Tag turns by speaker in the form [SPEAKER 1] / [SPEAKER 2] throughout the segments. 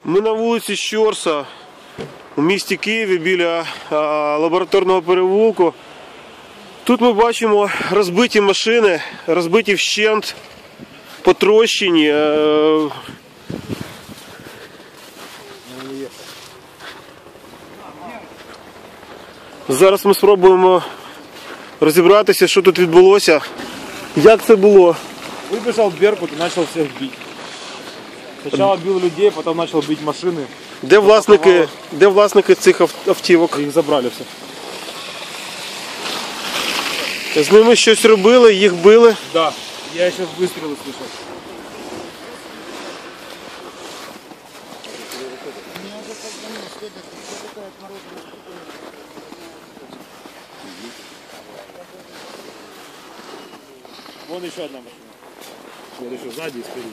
[SPEAKER 1] Ми на вулиці Щорса у місті Києві біля лабораторного переулку. Тут ми бачимо розбиті машини, розбиті вщент, потрощені. Зараз ми спробуємо розібратися, що тут відбулося. Як це було?
[SPEAKER 2] Выбежал Беркут и начал всех бить. Сначала бил людей, потом начал бить машины.
[SPEAKER 1] Де власники цих автівок?
[SPEAKER 2] Их забрали все.
[SPEAKER 1] З ними щось робили, їх били?
[SPEAKER 2] Да, я еще выстрелы слышал. Вон еще одна машина. Вот еще сзади и спереди.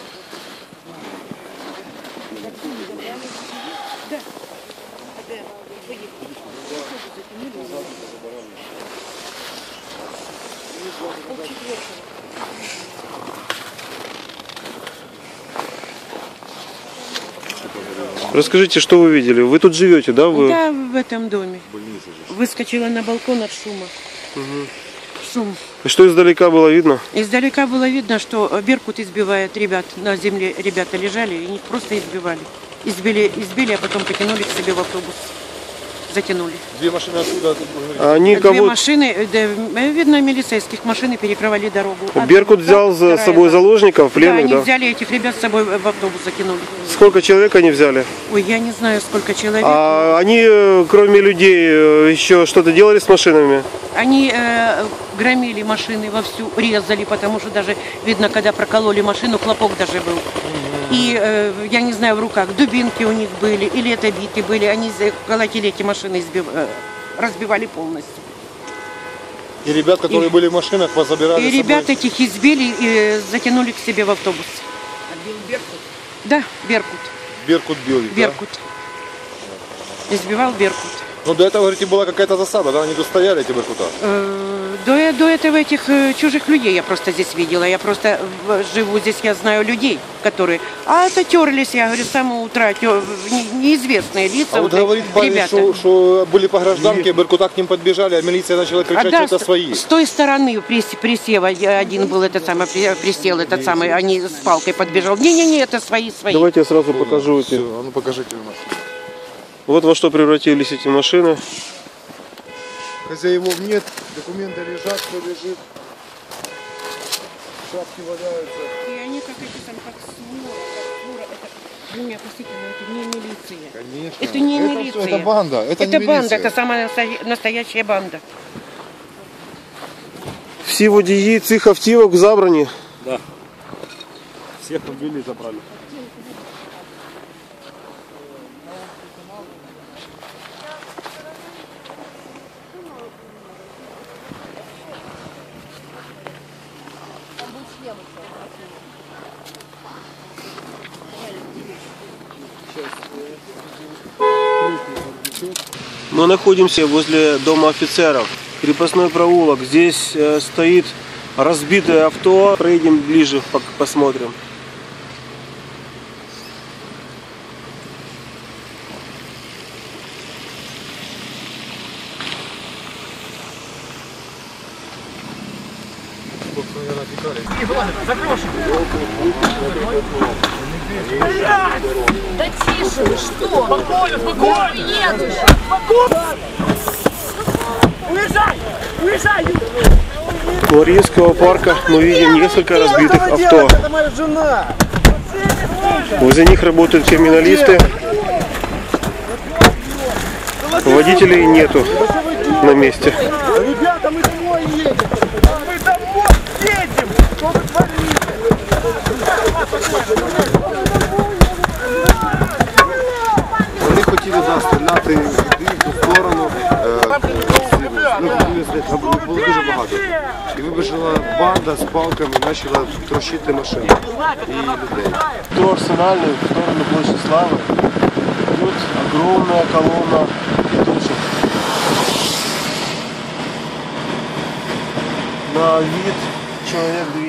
[SPEAKER 1] Расскажите, что вы видели? Вы тут живете, да? Вы...
[SPEAKER 3] Да, в этом доме. Выскочила на балкон от шума.
[SPEAKER 1] Угу.
[SPEAKER 3] Шум.
[SPEAKER 1] И что издалека было видно?
[SPEAKER 3] Издалека было видно, что Беркут избивает ребят. На земле ребята лежали и их просто избивали. Избили, а потом потянули к себе в автобус. Затянули.
[SPEAKER 2] Две машины отсюда.
[SPEAKER 3] Две машины, видно, милицейских машины перекрывали дорогу.
[SPEAKER 1] Беркут взял за собой заложников, пленных,
[SPEAKER 3] да?
[SPEAKER 1] Да,
[SPEAKER 3] они взяли этих ребят с собой в автобус, закинули.
[SPEAKER 1] Сколько человек они взяли?
[SPEAKER 3] Ой, я не знаю, сколько человек.
[SPEAKER 1] А они, кроме людей, еще что-то делали с машинами?
[SPEAKER 3] Они громили машины вовсю, резали, потому что даже видно, когда прокололи машину, хлопок даже был. И, я не знаю, в руках дубинки у них были, или это биты были, они колотили эти машины, разбивали полностью.
[SPEAKER 2] И ребят, которые были в машинах, позабирали.
[SPEAKER 3] И ребят этих избили и затянули к себе в автобус.
[SPEAKER 4] А бил Беркут?
[SPEAKER 3] Да, Беркут.
[SPEAKER 2] Беркут бил их,
[SPEAKER 3] Беркут. Да? Избивал Беркут.
[SPEAKER 2] Ну до этого, говорите, была какая-то засада, да? Они тут стояли, эти Беркута?
[SPEAKER 3] До этого этих чужих людей я просто здесь видела. Я просто живу здесь, я знаю людей, которые... А это терлись, я говорю, с самого утра, неизвестные лица.
[SPEAKER 2] А вот говорит парень, что были по гражданке, Беркута к ним подбежали, а милиция начала кричать, что это свои.
[SPEAKER 3] С той стороны присева один был, этот самый, присел, этот самый, они с палкой подбежал. Не-не-не, это свои.
[SPEAKER 1] Давайте я сразу покажу эти.
[SPEAKER 2] А ну покажите у нас.
[SPEAKER 1] Вот во что превратились эти машины.
[SPEAKER 2] Хозяевов нет, документы лежат, все лежит. Шапки валяются.
[SPEAKER 3] И они как эти там, как свора, это... Вы меня простите, но это не милиция.
[SPEAKER 2] Конечно.
[SPEAKER 3] Это не милиция.
[SPEAKER 2] Это банда, это не
[SPEAKER 3] банда,
[SPEAKER 2] милиция.
[SPEAKER 3] это самая настоящая банда.
[SPEAKER 1] Всі водії цих автівок забрані.
[SPEAKER 2] Да. Всех убили и забрали.
[SPEAKER 1] Мы находимся возле дома офицеров. Крепостной проулок. Здесь стоит разбитое авто. Проедем ближе, посмотрим.
[SPEAKER 4] Да тише, вы что? Спокойно, спокойно! Нет! Уезжай! Уезжай!
[SPEAKER 1] У Мариинского парка мы видим несколько разбитых авто.
[SPEAKER 2] Это моя жена!
[SPEAKER 1] Возле них работают криминалисты. Водителей нету на месте.
[SPEAKER 2] Ребята, мы домой едем! Мы домой едем! Что вы творите?
[SPEAKER 5] Вони хотіли стріляти в ту сторону, було дуже багато. І вибіжала банда з палками і почала трощити машини і людей.
[SPEAKER 1] До Арсенальной, в сторону Площади Славы, идет огромная колонна летучек. На вид человек 200.